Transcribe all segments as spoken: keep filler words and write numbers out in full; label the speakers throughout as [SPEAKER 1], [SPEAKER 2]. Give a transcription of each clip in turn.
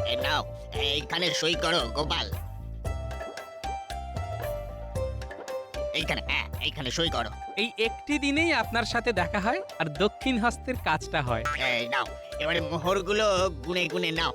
[SPEAKER 1] এ নাও, এইখানে সই করো গোপাল। এইখানে, হ্যাঁ, এইখানে সই করো।
[SPEAKER 2] এই একটি দিনেই আপনার সাথে দেখা হয় আর দক্ষিণ হস্তের কাজটা হয়।
[SPEAKER 1] এই নাও, এবারে মোহরগুলো গুনে গুনে নাও।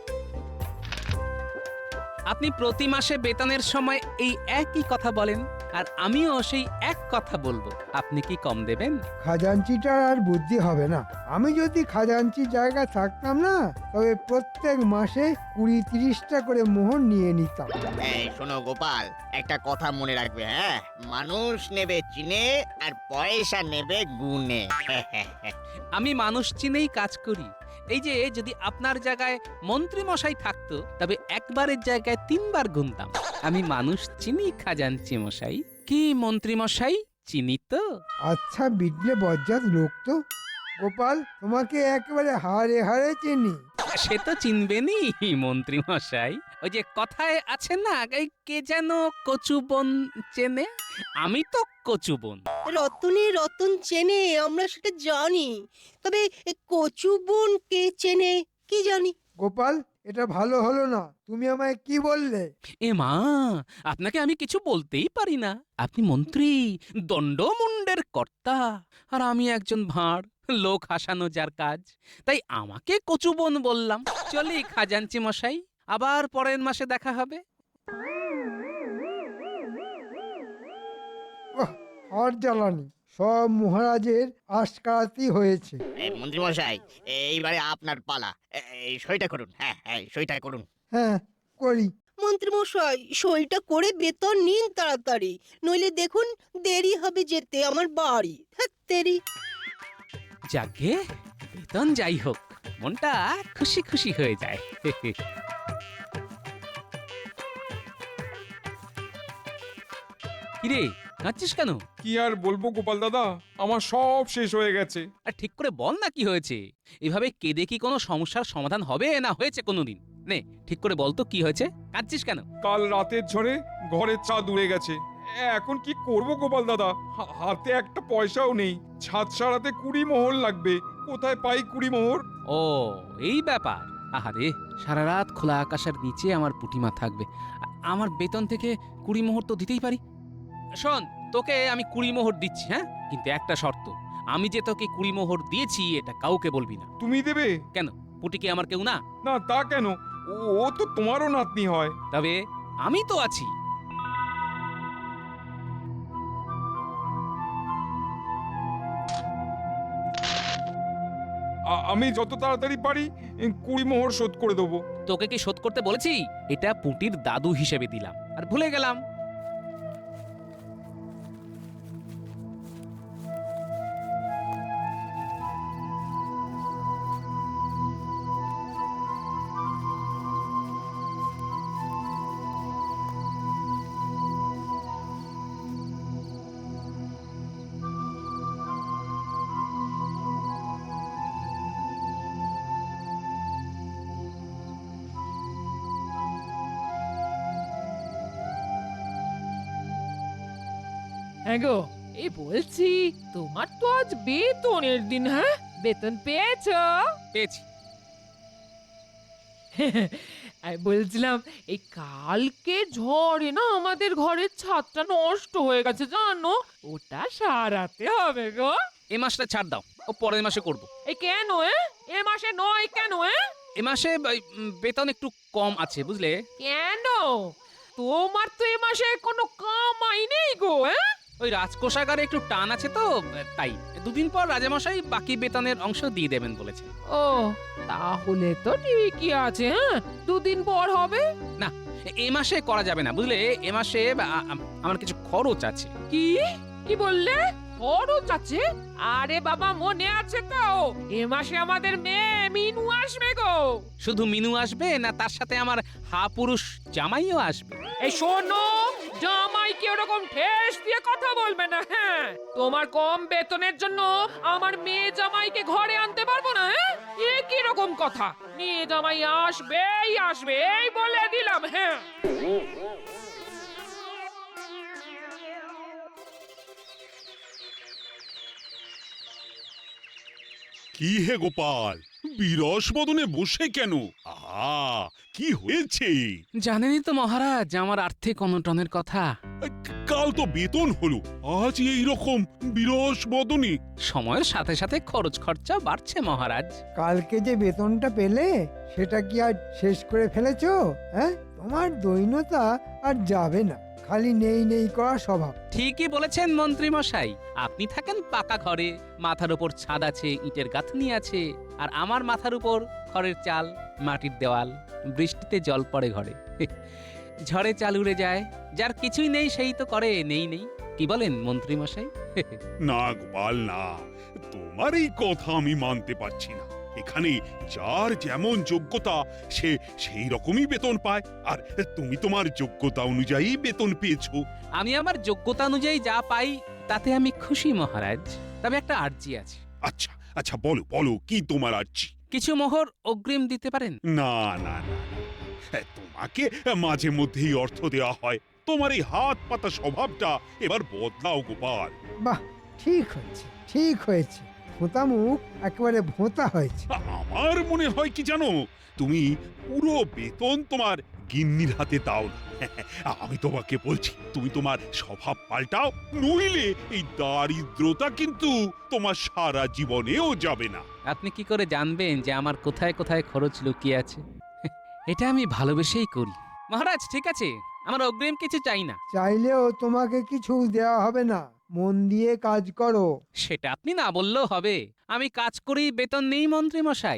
[SPEAKER 2] আপনি প্রতি মাসে বেতনের সময় এই একই কথা বলেন, আর আমিও সেই এক কথা বলবো। আপনি কি কম দেবেন?
[SPEAKER 3] খাজাঞ্চিটার আর বুদ্ধি হবে না। আমি যদি খাজাঞ্চির জায়গায় থাকতাম না, তবে প্রত্যেক মাসে কুড়ি তিরিশটা করে মোহর নিয়ে নিতাম।
[SPEAKER 1] এই শোনো গোপাল, একটা কথা মনে রাখবে, হ্যাঁ, মানুষ নেবে চিনে আর পয়সা নেবে গুনে।
[SPEAKER 2] আমি মানুষ চিনেই কাজ করি। এই যে যদি আপনার জায়গায় মন্ত্রী মশাই থাকতো, তবে একবারের জায়গায় তিনবার গুনতাম। আমি মানুষ চিনি খাজাঞ্চি মশাই। কি মন্ত্রী মশাই, চিনি তো?
[SPEAKER 3] আচ্ছা বিটলে বজ্জাত লোক তো। গোপাল, তোমাকে একেবারে হাড়ে হাড়ে চিনি।
[SPEAKER 2] সে তো চিনবেনই মন্ত্রী মশাই। ওই যে কথায় আছে না, এই কে যেন কচু বন চেনে, আমি তো কচু বন।
[SPEAKER 4] রতনে রতন চেনে, আমরা সেটা জানি, তবে এ কচু বোন কে চেনে কি জানি।
[SPEAKER 3] গোপাল, এটা ভালো হলো না। তুমি আমায় কি বললে?
[SPEAKER 2] এ মা, আপনাকে আমি কিছু বলতেই পারি না। আপনি মন্ত্রী, দণ্ডমুণ্ডের কর্তা, আর আমি একজন ভাঁড়, লোক হাসানো যার কাজ। তাই আমাকে কচুবন বললাম। চলি খাজাঞ্চি মশাই, আবার পরের মাসে দেখা হবে।
[SPEAKER 3] ওহ, আর জ্বালানি। সব মহারাজের আশকারাতি হয়েছে।
[SPEAKER 1] এই মন্ত্রী মশাই, এইবারে আপনার পালা। এ- এই সইটা করুন, হ্যাঁ হ্যাঁ, সইটা করুন।
[SPEAKER 3] হ্যাঁ, করি।
[SPEAKER 4] মন্ত্রী মশাই, সইটা করে বেতন নিন তাড়াতাড়ি, নইলে দেখুন দেরি হবে যেতে আমার বাড়ি। ধ্যাৎ তেরি।
[SPEAKER 2] যাকে বেতন যাই হোক, মনটা খুশি খুশি হয়ে যায়। কিরে, কাঁদছিস কেন?
[SPEAKER 5] কি আর বলবো গোপাল দাদা, আমার সব শেষ হয়ে গেছে।
[SPEAKER 2] আর ঠিক করে বল না কি হয়েছে। এভাবে কেঁদে কি কোনো সমস্যার সমাধান হবে না হয়েছে কোনোদিন? নে ঠিক করে বল তো কি হয়েছে, কাঁদছিস কেন?
[SPEAKER 5] কাল রাতের ঝড়ে ঘরের ছাদ উড়ে গেছে। এখন কি করব গোপাল দাদা, হা- হাতে একটা পয়সাও নেই। ছাদ সারাতে কুড়ি মোহর লাগবে, কোথায় পাই কুড়ি মোহর?
[SPEAKER 2] ও, এই ব্যাপার। আহারে, সারা রাত খোলা আকাশের নিচে আমার পুটিমা থাকবে, আ- আমার বেতন থেকে কুড়ি মোহর তো দিতেই পারি। শোন, তোকে আমি কুড়ি মোহর দিচ্ছি, হ্যাঁ, কিন্তু একটা শর্ত। আমি যে তোকে কুড়ি মোহর দিয়েছি এটা কাউকে বলবি না।
[SPEAKER 5] তুমি দেবে?
[SPEAKER 2] কেন, পুটি কি আমার কেউ না?
[SPEAKER 5] না তা কেন, ও ও তো তোমারও নাতনি হয়।
[SPEAKER 2] তবে আমি তো আছি।
[SPEAKER 5] আ- আমি যত তাড়াতাড়ি পারি এ, কুড়ি মোহর শোধ করে দেবো।
[SPEAKER 2] তোকে কি শোধ করতে বলেছি? এটা পুটির দাদু হিসেবে দিলাম, আর ভুলে গেলাম।
[SPEAKER 6] হ্যাঁ গো, এই বলছি, তোমার তো আজ বেতনের দিন, হ্যাঁ? বেতন পেয়েছো?
[SPEAKER 2] পেয়েছি।
[SPEAKER 6] আমি বলছিলাম, এই কালকে ঝড়ে না আমাদের ঘরের ছাদটা নষ্ট হয়ে গেছে জানো, ওটা সারাতে হবে গো।
[SPEAKER 2] এ মাসটা ছাড় দাও, ও পরের মাসে করব।
[SPEAKER 6] এই কেন এ? এ মাসে নয় কেন এ?
[SPEAKER 2] এ মাসে এই, উম, বেতন একটু কম আছে বুঝলে।
[SPEAKER 6] কেন? তোমার তো এ মাসে কোনো কামাই নেই গো, হ্যাঁ?
[SPEAKER 2] ওই রাজকোষাগারে একটু টান আছে তো, তাই দুদিন পর রাজামশাই বাকি বেতনের অংশ দিয়ে দেবেন বলেছেন।
[SPEAKER 6] ও, তাহলে তো ঠিকই আছে, হ্যাঁ, দুদিন পর হবে।
[SPEAKER 2] না, এ মাসে করা যাবে না বুঝলে। এ মাসে আ- আ- আমার কিছু খরচ আছে।
[SPEAKER 6] কি কি বললে? খরচ আছে? আরে বাবা, মনে আছে তো, এ মাসে আমাদের মেয়ে মিনু আসবে গো।
[SPEAKER 2] শুধু মিনু আসবে না, তার সাথে আমার হা পুরুষ জামাইও আসবে?
[SPEAKER 6] এই শোনো, জামাইকে ওরকম ঠেস দিয়ে কথা বলবে না, হ্যাঁ? তোমার কম বেতনের জন্য আমার মেয়ে জামাইকে ঘরে আনতে পারবো না, হ্যাঁ? এ কি রকম কথা? মেয়ে জামাই আসবেই আসবে, এই বলে দিলাম, হ্যাঁ।
[SPEAKER 7] কি হে গোপাল, বিরস বদনে বসে কেন? আহা, কি হয়েছে?
[SPEAKER 2] জানেনই তো মহারাজ আমার আর্থিক অনটনের কথা।
[SPEAKER 7] কাল তো বেতন হলো, আজ এই রকম বিরস বদনে।
[SPEAKER 2] সময়ের সাথে সাথে খরচ খরচা বাড়ছে মহারাজ।
[SPEAKER 3] কালকে যে বেতনটা পেলে সেটা কি আর শেষ করে ফেলেছো? হ্যাঁ, তোমার দৈন্যতা আর যাবে না, খালি নেই নেই করা স্বভাব।
[SPEAKER 2] ঠিকই বলেছেন মন্ত্রী মশাই, আপনি থাকেন পাকা ঘরে, মাথার উপর ছাদ আছে, ইটের গাঁথনি আছে, আর আমার মাথার উপর খড়ের চাল, মাটির দেওয়াল, বৃষ্টিতে জল পড়ে ঘরে, ঝড়ে চাল উড়ে যায়, যার কিছুই নেই সেই তো করে নেই নেই। কি বলেন মন্ত্রী মশাই?
[SPEAKER 7] না গোপাল না, তোমার এই কথা আমি মানতে পারছি না। এখানে যার যেমন যোগ্যতা সে সেই রকমই বেতন পায়, আর তুমি তোমার যোগ্যতা অনুযায়ী বেতন পেয়েছো।
[SPEAKER 2] আমি আমার যোগ্যতা অনুযায়ী যা পাই তাতে আমি খুশি মহারাজ, তবে একটা আর্জি আছে।
[SPEAKER 7] আচ্ছা আচ্ছা, বলো বলো, কি তোমার আর্জি?
[SPEAKER 2] কিছু মোহর অগ্রিম দিতে পারেন?
[SPEAKER 7] না না না, তোমাকে মাঝে মধ্যেই অর্থ দেওয়া হয়, তোমার এই হাত পাতা স্বভাবটা এবার বদলাও গোপাল।
[SPEAKER 3] বাহ, ঠিক হয়েছে ঠিক হয়েছে, ভোঁতা মুখ একেবারে ভোঁতা হয়েছে।
[SPEAKER 7] আমার মনে হয় কি জানো, তুমি পুরো বেতন তোমার গিন্নির হাতে দাও না। আমি তোমাকে বলছি, তুমি তোমার স্বভাব পাল্টাও, নইলে এই দারিদ্রতা কিন্তু তোমার সারা জীবনেও যাবে না।
[SPEAKER 2] আপনি কি করে জানবেন যে আমার কোথায় কোথায় খরচ লুকিয়ে আছে? এটা আমি ভালোবেসেই করি মহারাজ। ঠিক আছে, আমার অগ্রিম কিছু চাই না।
[SPEAKER 3] চাইলেও তোমাকে কিছু দেওয়া হবে না, মন দিয়ে কাজ করো।
[SPEAKER 2] সেটা আপনি না বললেও হবে, আমি কাজ করি বেতন নেই মন্ত্রী মশাই।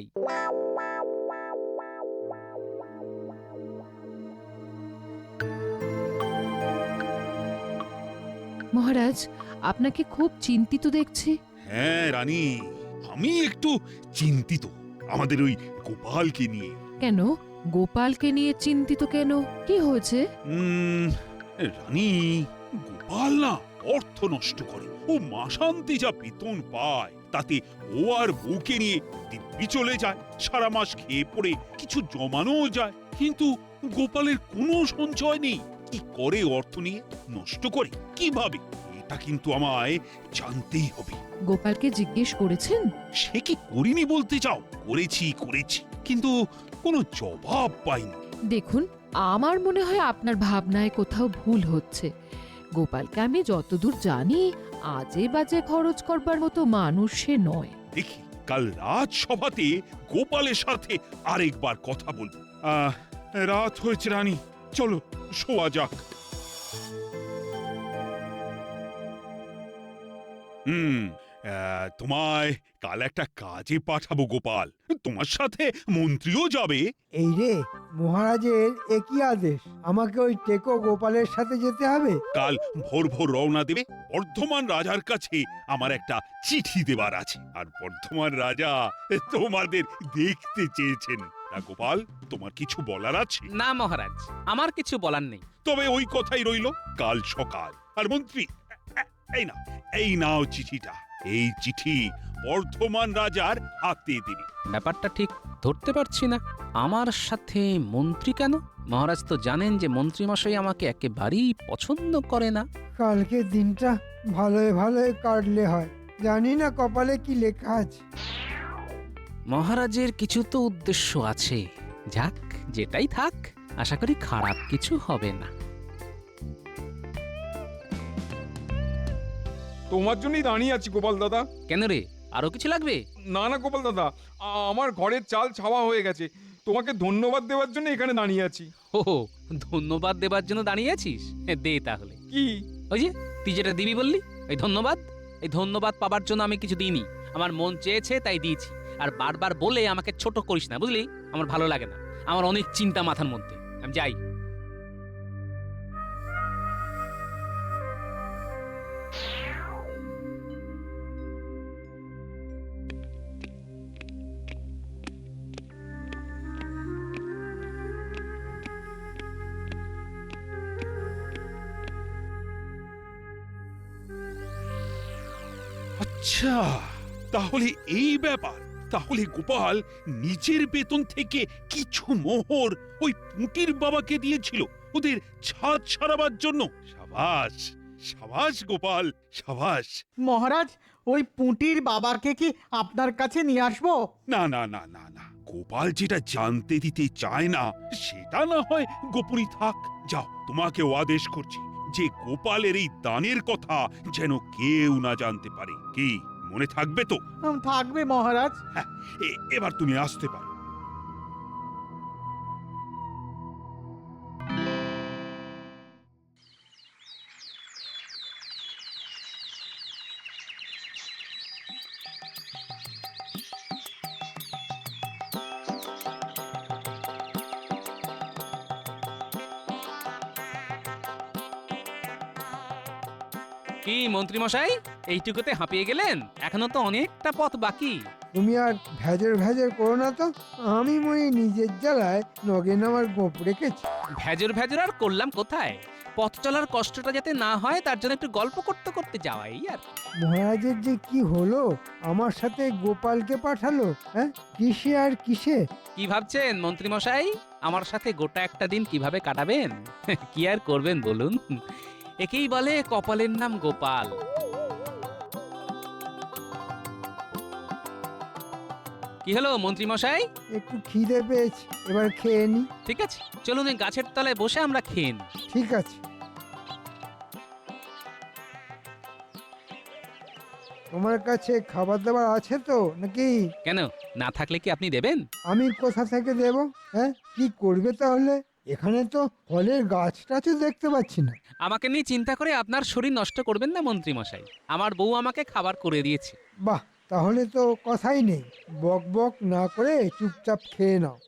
[SPEAKER 8] মহারাজ, আপনাকে খুব চিন্তিত দেখছি।
[SPEAKER 7] হ্যাঁ রানী, আমি একটু চিন্তিত আমাদের ওই গোপালকে নিয়ে।
[SPEAKER 8] কেন গোপালকে নিয়ে চিন্তিত কেন? কি হয়েছে?
[SPEAKER 7] উম, রানী, গোপাল না অর্থ নষ্ট করে, ও মাসান্তে যা বেতন পায় তাতে ও আর বউকে নিয়ে দিব্যি চলে যায়, সারা মাস খেয়ে পড়ে কিছু জমানোও যায়, কিন্তু গোপালের কোনো সঞ্চয় নেই। কি করে অর্থ নিয়ে নষ্ট করে, কিভাবে, এটা কিন্তু আমায় জানতেই হবে।
[SPEAKER 8] গোপালকে জিজ্ঞেস করেছেন?
[SPEAKER 7] সে কি করিনি বলতে চাও? করেছি করেছি, কিন্তু কোনো জবাব পাইনি।
[SPEAKER 8] দেখুন, আমার মনে হয় আপনার ভাবনায় কোথাও ভুল হচ্ছে। গোপালকে আমি যতদূর জানি আজে বাজে খরচ করবার মতো মানুষ সে নয়।
[SPEAKER 7] দেখি কাল রাজসভাতে গোপালের সাথে আরেকবার কথা বলবো। আহ, রাত হয়েছে রানী, চলো শোয়া যাক। হুম, আহ, তোমায় কাল একটা কাজে পাঠাবো গোপাল, তোমার সাথে মন্ত্রীও যাবে।
[SPEAKER 3] এই রে, মহারাজের একই আদেশ, আমাকে ওই টেকো গোপালের সাথে যেতে হবে?
[SPEAKER 7] কাল ভোর ভোর রওনা দেবে। বর্ধমান রাজার কাছে আমার একটা চিঠি দেবার আছে, আর বর্ধমান রাজা তোমাদের দেখতে চেয়েছেন। না গোপাল, তোমার কিছু বলার আছে?
[SPEAKER 2] না মহারাজ, আমার কিছু বলার নেই।
[SPEAKER 7] তবে ওই কথাই রইল, কাল সকাল। আর মন্ত্রী, এ- এই নাও, এই নাও চিঠিটা। এই চিঠি বর্ধমান রাজার হাতে দেবে।
[SPEAKER 2] ব্যাপারটা ঠিক ধরতে পারছি না, আমার সাথে মন্ত্রী কেন? মহারাজ তো জানেন যে মন্ত্রী মশাই আমাকে একেবারেই পছন্দ করে না।
[SPEAKER 3] কালকে দিনটা ভালোই ভালোই কাটলে হয়, জানি না কপালে কি লেখা আছে।
[SPEAKER 2] মহারাজের কিছু তো উদ্দেশ্য আছে, যাক যেটাই থাক, আশা করি খারাপ কিছু হবে না।
[SPEAKER 5] তোমার জন্যই দাঁড়িয়ে আছি গোপাল দাদা।
[SPEAKER 2] কেন রে, আরো কিছু লাগবে?
[SPEAKER 5] না না গোপাল দাদা, আ- আমার ঘরের চাল ছাওয়া হয়ে গেছে, তোমাকে ধন্যবাদ দেওয়ার জন্য এখানে দাঁড়িয়ে আছি।
[SPEAKER 2] ও, ধন্যবাদ দেবার জন্য দাঁড়িয়ে আছিস? দে তাহলে।
[SPEAKER 5] কি?
[SPEAKER 2] ওই যে তুই যেটা দিবি বললি, এই ধন্যবাদ। এই ধন্যবাদ পাবার জন্য আমি কিছু দিইনি, আমার মন চেয়েছে তাই দিয়েছি। আর বারবার বলে আমাকে ছোট করিস না, বুঝলি? আমার ভালো লাগে না, আমার অনেক চিন্তা মাথার মধ্যে। আমি যাই।
[SPEAKER 7] আচ্ছা, তাহলে এই ব্যাপার। তাহলে গোপাল নিজের বেতন থেকে কিছু মোহর ওই পুঁটির বাবাকে দিয়েছিল ওদের ছাদ সারাবার জন্য। সাবাস সাবাস গোপাল, সাবাস।
[SPEAKER 9] মহারাজ, ওই পুঁটির বাবাকে কি আপনার কাছে নিয়ে আসবো?
[SPEAKER 7] না না না না না গোপাল যেটা জানতে দিতে চায় না সেটা না হয় গোপনই থাক। যাও, তোমাকেও আদেশ করছি যে গোপালের এই দানের কথা যেন কেউ না জানতে পারে। কি মনে থাকবে তো?
[SPEAKER 9] উম, থাকবে মহারাজ।
[SPEAKER 7] হ্যাঁ, এ- এবার তুমি আসতে পারো।
[SPEAKER 2] কি মন্ত্রী মশাই, এইটুকুতে হাঁপিয়ে গেলেন? এখনো তো অনেকটা পথ বাকি।
[SPEAKER 3] তুমি আর ভেজর ভেজর করো না তো। আমি মনে নিজের জ্বালায় নগেন আমার গোপ রেখেছি।
[SPEAKER 2] ভেজর ভেজর আর করলাম কোথায়? পথ চলার কষ্টটা যাতে না হয় তার জন্য একটু গল্প করতে করতে যাওয়াই আর কি।
[SPEAKER 3] মহারাজের যে কি হলো, আমার সাথে গোপালকে পাঠালো, হ্যাঁ কিসে আর কিসে।
[SPEAKER 2] কি ভাবছেন মন্ত্রী মশাই, আমার সাথে গোটা একটা দিন কিভাবে কাটাবেন? কি আর করবেন বলুন, একেই বলে কপালের নাম গোপাল। কি হলো মন্ত্রী মশাই?
[SPEAKER 3] একটু খিদে পেয়েছি, এবার খেয়ে নি।
[SPEAKER 2] ঠিক আছে, চলুন এই গাছের তলায় বসে আমরা খেয়ে নিই।
[SPEAKER 3] ঠিক আছে। তোমার কাছে খাবার দাবার আছে তো নাকি?
[SPEAKER 2] কেন, না থাকলে কি আপনি দেবেন?
[SPEAKER 3] আমি কোথা থেকে দেব? হ্যাঁ, কি করবে তাহলে? এখানে তো ফলের গাছটা তো দেখতে পাচ্ছি না।
[SPEAKER 2] আমাকে নিয়ে চিন্তা করে আপনার শরীর নষ্ট করবেন না মন্ত্রী মশাই। আমার বউ আমাকে খাবার করে দিয়েছে।
[SPEAKER 3] বাহ, তাহলে তো কথাই নেই। বক বক না করে চুপচাপ খেয়ে নাও।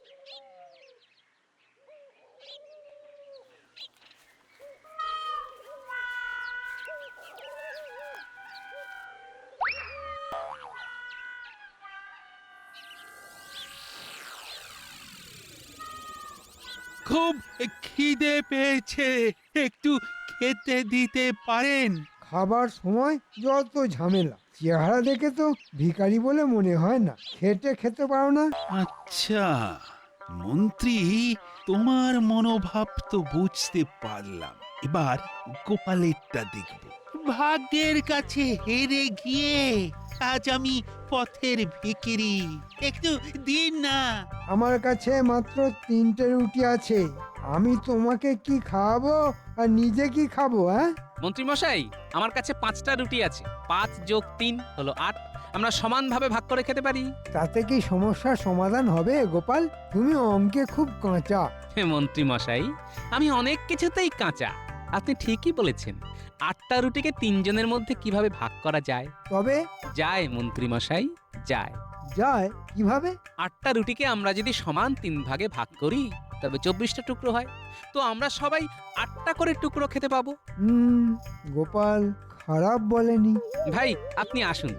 [SPEAKER 7] খুব খিদে পেয়েছে, একটু খেতে দিতে পারেন?
[SPEAKER 3] খাবার সময় যত ঝামেলা। চেহারা দেখে তো ভিখারি বলে মনে হয় না। খেটে খেতে পারো না?
[SPEAKER 7] আচ্ছা মন্ত্রী, তোমার মনোভাব তো বুঝতে পারলাম। এবার গোপালেরটা দেখব। ভাগ্যের কাছে হেরে গিয়ে আজ আমি পথের ভিখিরি, একটু দিন না।
[SPEAKER 3] আমার কাছে মাত্র তিনটে রুটি আছে। আমি তোমাকে কি খাওয়াবো আর নিজে কি খাবো? হ্যাঁ,
[SPEAKER 2] মন্ত্রী মশাই, আমার কাছে পাঁচটা রুটি আছে। পাঁচ যোগ তিন হলো আট। আমরা সমানভাবে ভাগ করে খেতে পারি।
[SPEAKER 3] তাতে কি সমস্যার সমাধান হবে গোপাল? তুমি অঙ্কে খুব কাঁচা।
[SPEAKER 2] হে মন্ত্রী মশাই, আমি অনেক কিছুতেই কাঁচা। আপনি ঠিকই বলেছেন। আটটা রুটিকে তিনজনের মধ্যে কিভাবে ভাগ করা যায়?
[SPEAKER 3] তবে
[SPEAKER 2] যায় মন্ত্রী মশাই, যায়।
[SPEAKER 3] যায় কিভাবে?
[SPEAKER 2] আটটা রুটিকে আমরা যদি সমান তিন ভাগে ভাগ করি তবে চব্বিশটা টুকরো হয়। তো আমরা সবাই আটটা করে টুকরো খেতে পাবো।
[SPEAKER 3] হুম, গোপাল খারাপ বলেনি।
[SPEAKER 2] ভাই আপনি আসুন,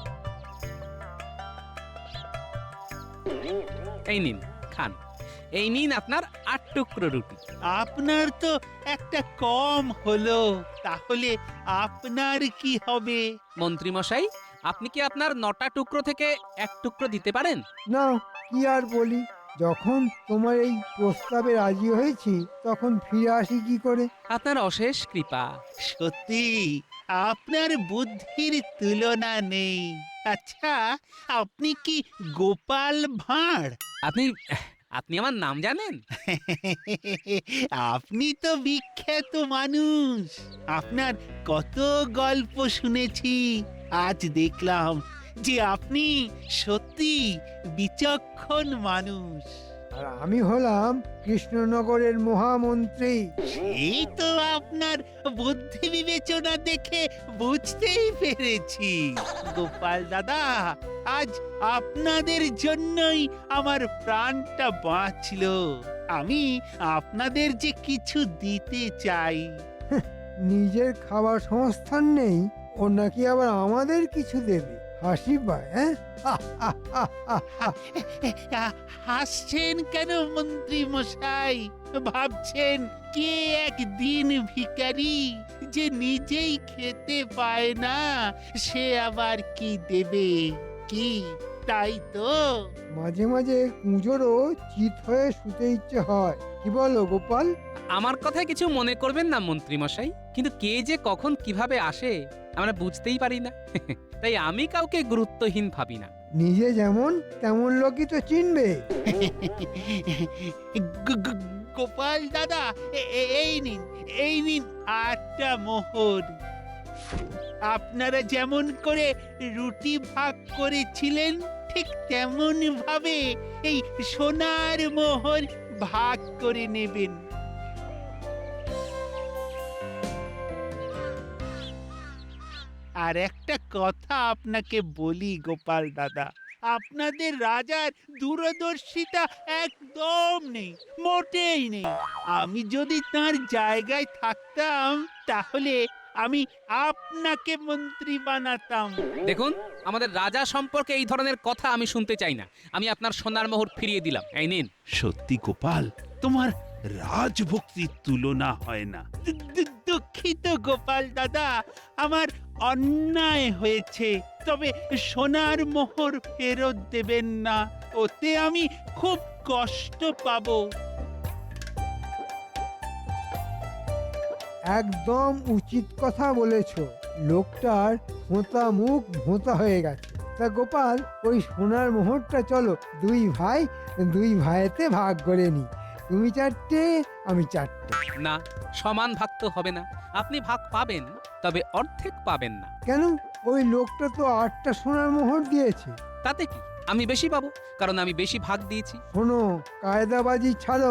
[SPEAKER 2] এই নিন খান। এই নিন আপনার আট টুকরো রুটি।
[SPEAKER 7] আপনার তো একটা কম হলো, তাহলে আপনার কি হবে?
[SPEAKER 2] মন্ত্রী মশাই, আপনি কি আপনার নটা টুকরো থেকে এক টুকরো দিতে পারেন?
[SPEAKER 3] না, কি আর বলি। যখন তোমার এই প্রস্তাবে রাজি হয়েছি তখন ফিরে আসি কি করে?
[SPEAKER 2] আপনার অশেষ কৃপা।
[SPEAKER 7] সত্যি আপনার বুদ্ধির তুলনা নেই। আচ্ছা, আপনি কি গোপাল ভাঁড়?
[SPEAKER 2] আপনি আপনি আমার নাম জানেন?
[SPEAKER 7] আপনি তো বিখ্যাত মানুষ, আপনার কত গল্প শুনেছি। আজ দেখলাম যে আপনি সত্যি বিচক্ষণ মানুষ।
[SPEAKER 3] আর আমি হলাম কৃষ্ণনগরের মহামন্ত্রী।
[SPEAKER 7] এই তো আপনার বুদ্ধি বিবেচনা দেখে বুঝতেই পেরেছি। গোপাল দাদা, আজ আপনাদের জন্যই আমার প্রাণটা বাঁচলো। আমি আপনাদের যে কিছু দিতে চাই।
[SPEAKER 3] নিজের খাবার সংস্থান নেই, ও নাকি আবার আমাদের কিছু দেবে? হাসি পায়। হ্যাঁ,
[SPEAKER 7] হাসছেন কেন মন্ত্রী মশাই? ভাবছেন কে একদিন ভিখারি যে নিজেই খেতে পায় না, সে আবার কি দেবে? কি তাই তো?
[SPEAKER 3] মাঝে মাঝে কুঁজোরও চিত হয়ে শুতে ইচ্ছে হয়। কি বলো গোপাল?
[SPEAKER 2] আমার কথায় কিছু মনে করবেন না মন্ত্রী মশাই, কিন্তু কে যে কখন কিভাবে আসে আমরা বুঝতেই পারি না। তাই আমি কাউকে গুরুত্বহীন ভাবি না।
[SPEAKER 3] নিজে যেমন তেমন লোকই তো চিনবে।
[SPEAKER 10] গো- গো- গোপাল দাদা এ- এ- এই নিন এই নিন আটটা মোহর। আপনারা যেমন করে রুটি ভাগ করেছিলেন ঠিক তেমন ভাবে এই সোনার মোহর ভাগ করে নেবেন। আর একটা কথা আপনাকে বলি গোপাল দাদা, আপনাদের রাজার দূরদর্শিতা একদম নেই, মোটেই নেই। আমি যদি তার জায়গায় থাকতাম তাহলে আমি আপনাকে মন্ত্রী বানাতাম।
[SPEAKER 2] দেখুন, আমাদের রাজা সম্পর্কে এই ধরনের কথা আমি শুনতে চাই না। আমি আপনার সোনার মোহর ফিরিয়ে দিলাম, এই নিন।
[SPEAKER 7] সত্যি গোপাল, তোমার রাজভক্তির তুলনা হয় না।
[SPEAKER 10] দু- দু- দুঃখিত গোপাল দাদা, আমার অন্যায় হয়েছে, তবে সোনার মোহর ফেরত দেবেন না, ওতে আমি খুব কষ্ট পাবো।
[SPEAKER 3] একদম উচিত কথা বলেছ। লোকটার ভোঁতা মুখ ভোঁতা হয়ে গেছে। তা গোপাল, ওই সোনার মোহরটা চলো দুই ভাই দুই ভাইতে ভাগ করে নি। তুমি চারটে, আমি চারটে।
[SPEAKER 2] না, সমান ভাগ তো হবে না। আপনি ভাগ পাবেন, তবে অর্ধেক পাবেন না।
[SPEAKER 3] কেন? ওই লোকটা তো আটটা সোনার মোহর দিয়েছে।
[SPEAKER 2] তাতে কি, আমি বেশি পাবো, কারণ আমি বেশি ভাগ দিয়েছি।
[SPEAKER 3] শোনো, কায়দাবাজি ছাড়ো।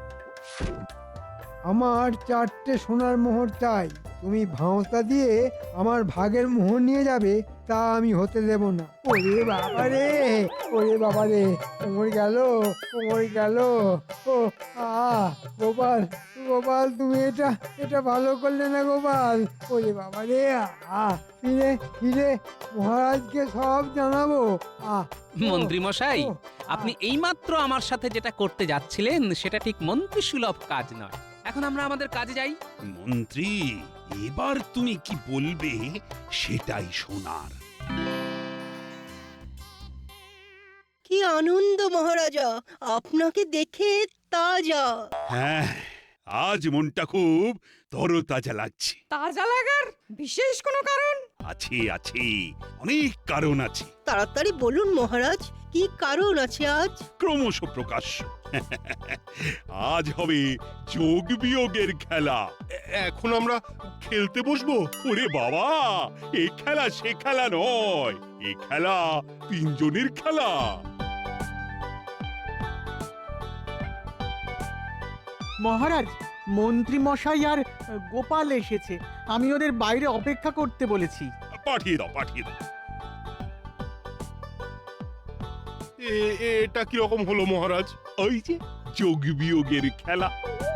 [SPEAKER 3] আমার চারটে সোনার মোহর চাই। তুমি ভাঁওতা দিয়ে আমার ভাগের মোহর নিয়ে যাবে, তা আমি হতে দেব না। ওরে বাবা রে, ওরে বাবা রে, কোমর গেল, কোমর গেল। ও আ গোপাল, গোপাল তুমি এটা এটা ভালো করলে না গোপাল। ওরে বাবা রে, আ ফিরে ফিরে মহারাজকে সব জানাবো। আ
[SPEAKER 2] মন্ত্রী মশাই,
[SPEAKER 3] ও,
[SPEAKER 2] আপনি এইমাত্র আমার সাথে যেটা করতে যাচ্ছিলেন সেটা ঠিক মন্ত্রী সুলভ কাজ নয়। এখন আমরা আমাদের কাজে যাই।
[SPEAKER 7] মন্ত্রী, এবার তুমি কি বলবে সেটাই শোনার।
[SPEAKER 4] কি আনন্দ মহারাজা, আপনাকে দেখে তাজা।
[SPEAKER 7] হ্যাঁ, আজ মনটা খুব তরতাজা লাগছে।
[SPEAKER 6] তাজা লাগার বিশেষ কোনো কারণ?
[SPEAKER 7] আছে আছে, অনেক কারণ আছে,
[SPEAKER 4] তাড়াতাড়ি বলুন মহারাজ, কি কারণ আছে আজ?
[SPEAKER 7] ক্রমশ প্রকাশ্য। আজ হবে যোগ বিয়োগের খেলা। এখন আমরা খেলতে বসবো? ওরে বাবা, এ খেলা সে খেলা নয়, এ খেলা তিনজনের খেলা।
[SPEAKER 9] মহারাজ, মন্ত্রী মশাই আর গোপাল এসেছে। আমি ওদের বাইরে অপেক্ষা করতে বলেছি।
[SPEAKER 7] পাঠিয়ে দাও, পাঠিয়ে দাও। এটা কি রকম হলো মহারাজ? ওই যে যোগ বিয়োগের খেলা।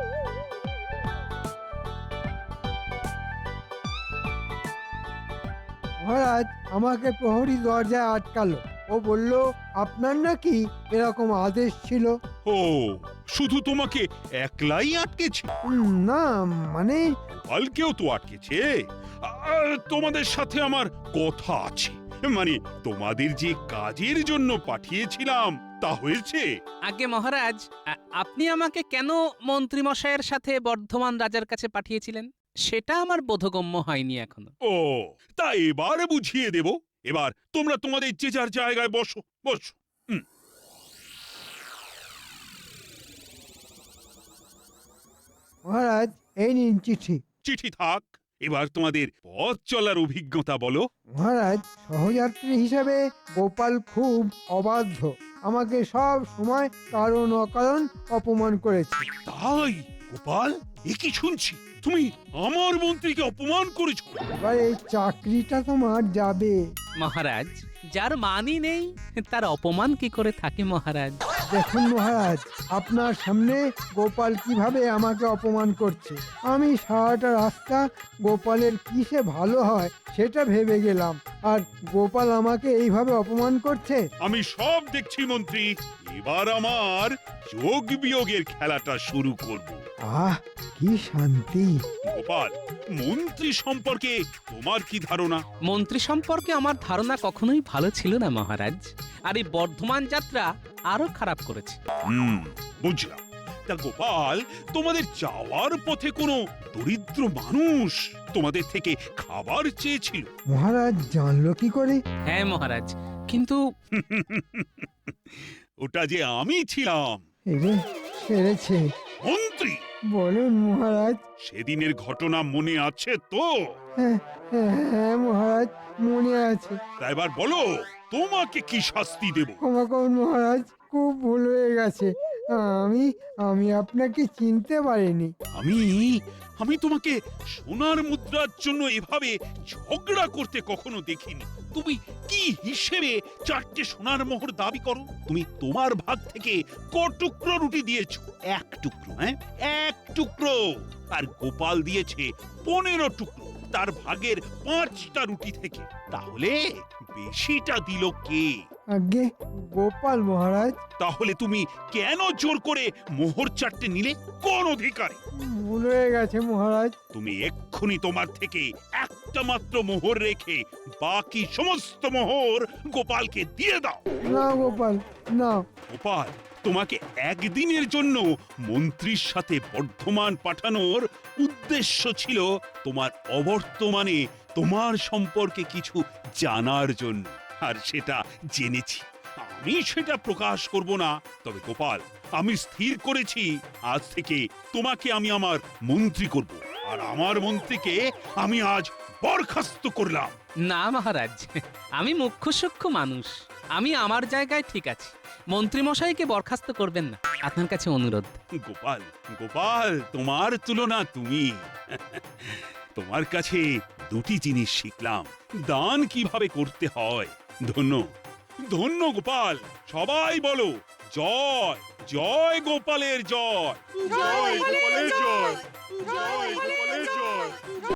[SPEAKER 3] মহারাজ আমাকে প্রহরী দরজায় আটকালো। ও বলল আপনার নাকি এরকম আদেশ ছিল।
[SPEAKER 7] ও, শুধু তোমাকে একলাই আটকেছে?
[SPEAKER 3] উম, না মানে
[SPEAKER 7] কালকেও তো আটকেছে। আর তোমাদের সাথে আমার কথা আছে, মানে তোমাদের যে কাজের জন্য পাঠিয়েছিলাম তা হয়েছে।
[SPEAKER 2] আগে মহারাজ, আ- আপনি আমাকে কেন মন্ত্রী মশাইয়ের সাথে বর্ধমান রাজার কাছে পাঠিয়েছিলেন সেটা আমার বোধগম্য হয়নি এখনো।
[SPEAKER 7] ও, তা এবার বুঝিয়ে দেব। এবার তোমরা তোমাদের যে যার জায়গায় বসো, বসো।
[SPEAKER 3] মহারাজ এই নিন চিঠি।
[SPEAKER 7] চিঠি থাক, এবার তোমাদের পথ চলার অভিজ্ঞতা বলো।
[SPEAKER 3] মহারাজ, সহযাত্রী হিসেবে গোপাল খুব অবাধ্য। আমাকে সব সময় কারণ অকারণ অপমান করেছে।
[SPEAKER 7] তাই গোপাল, এ কি শুনছি? তুমি আমার মন্ত্রীকে অপমান করেছো?
[SPEAKER 3] এবার এই চাকরিটা তোমার যাবে।
[SPEAKER 2] মহারাজ, যার মানই নেই তার অপমান কি করে থাকে মহারাজ?
[SPEAKER 3] দেখুন মহারাজ, আপনার সামনে গোপাল কিভাবে আমাকে অপমান করছে। আমি সারাটা রাস্তা গোপালের কিসে ভালো হয় সেটা ভেবে গেলাম, আর গোপাল আমাকে এইভাবে অপমান করছে।
[SPEAKER 7] আমি সব দেখছি মন্ত্রী। এবার আমার যোগ বিয়োগের খেলাটা শুরু করব।
[SPEAKER 3] আহ কি শান্তি।
[SPEAKER 7] গোপাল, মন্ত্রী সম্পর্কে তোমার কি ধারণা?
[SPEAKER 2] মন্ত্রী সম্পর্কে আমার ধারণা কখনোই ভালো ছিল না মহারাজ, আর এই বর্ধমান যাত্রা আরো খারাপ করেছে।
[SPEAKER 7] হুম, বুঝলাম। তা গোপাল, তোমাদের যাওয়ার পথে কোনো দরিদ্র মানুষ তোমাদের থেকে খাবার চেয়েছিল?
[SPEAKER 3] মহারাজ জানলো কি করে?
[SPEAKER 2] হ্যাঁ মহারাজ, কিন্তু
[SPEAKER 7] ওটা যে আমি ছিলাম,
[SPEAKER 3] এই রে, সেরেছে।
[SPEAKER 7] মন্ত্রী।
[SPEAKER 3] বলুন মহারাজ।
[SPEAKER 7] সেদিনের ঘটনা মনে আছে তো?
[SPEAKER 3] হ্যাঁ হ্যাঁ হ্যাঁ, মহারাজ মনে আছে।
[SPEAKER 7] তা এবার বলো, তোমাকে কি শাস্তি দেব?
[SPEAKER 3] ক্ষমা করুন মহারাজ, খুব ভুল হয়ে গেছে। আমি আমি আপনাকে চিনতে পারিনি।
[SPEAKER 7] আমি আমি তোমাকে সোনার মুদ্রার জন্য এভাবে ঝগড়া করতে কখনো দেখিনি। তুমি কি হিসেবে চারটে সোনার মোহর দাবি করো? তুমি তোমার ভাগ থেকে ক টুকরো রুটি দিয়েছো? এক টুকরো, হ্যাঁ এক টুকরো। আর গোপাল দিয়েছে পনেরো টুকরো তার ভাগের পাঁচটা রুটি থেকে। তাহলে বেশিটা দিল কে?
[SPEAKER 3] আগে গোপাল মহারাজ।
[SPEAKER 7] তাহলে তুমি কেন জোর করে মোহর চারটে নিলে? কোন অধিকারে?
[SPEAKER 3] ভুল হয়ে গেছে মহারাজ।
[SPEAKER 7] তুমি এক্ষুনি তোমার থেকে একটা মাত্র মোহর রেখে বাকি সমস্ত মোহর গোপালকে দিয়ে দাও।
[SPEAKER 3] না গোপাল, না।
[SPEAKER 7] গোপাল, তোমাকে একদিনের জন্য মন্ত্রীর সাথে বর্ধমান পাঠানোর উদ্দেশ্য ছিল তোমার অবর্তমানে তোমার সম্পর্কে কিছু জানার জন্য, আর সেটা জেনেছি। আমি সেটা প্রকাশ করব না। তবে গোপাল, আমি স্থির করেছি আজ থেকে তোমাকে আমি আমার মন্ত্রী করব, আর আমার মন্ত্রীকে আমি আজ বরখাস্ত করলাম।
[SPEAKER 2] না মহারাজ, আমি মুখ্য সূক্ষ্ম মানুষ, আমি আমার জায়গায় ঠিক আছি। মন্ত্রী মশাইকে বরখাস্ত করবেন না, আপনার কাছে অনুরোধ।
[SPEAKER 7] গোপাল, গোপাল, তোমার তুলনা তুমি। তোমার কাছে দুটি জিনিস শিখলাম, দান কিভাবে করতে হয়। ধন্য, ধন্য গোপাল। সবাই বলো জয়, জয় গোপালের জয়, জয় গোপালের জয়, জয় গোপালের জয়।